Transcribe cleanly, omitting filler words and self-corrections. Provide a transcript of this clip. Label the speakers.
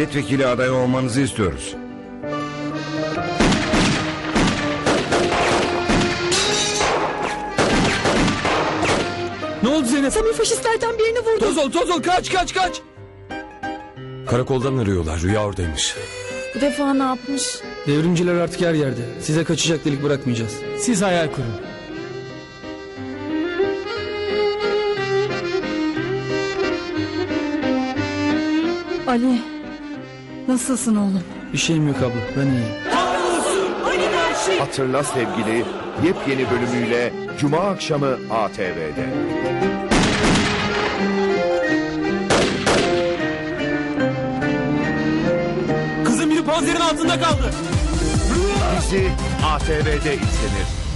Speaker 1: milletvekili adayı olmanızı istiyoruz.
Speaker 2: Ne oldu Zeynep?
Speaker 3: Samir faşistlerden birini vurdu.
Speaker 2: Toz ol, kaç.
Speaker 4: Karakoldan arıyorlar. Rüya oradaymış.
Speaker 3: Bu defa ne yapmış?
Speaker 2: Devrimciler artık her yerde. Size kaçacak delik bırakmayacağız. Siz hayal kurun.
Speaker 3: Ali, nasılsın oğlum?
Speaker 2: Bir şeyim yok abla, ben iyiyim.
Speaker 5: Hatırla Sevgili yepyeni bölümüyle Cuma akşamı ATV'de.
Speaker 2: Kızım biri panzerin altında kaldı.
Speaker 5: Dizi ATV'de izlenir.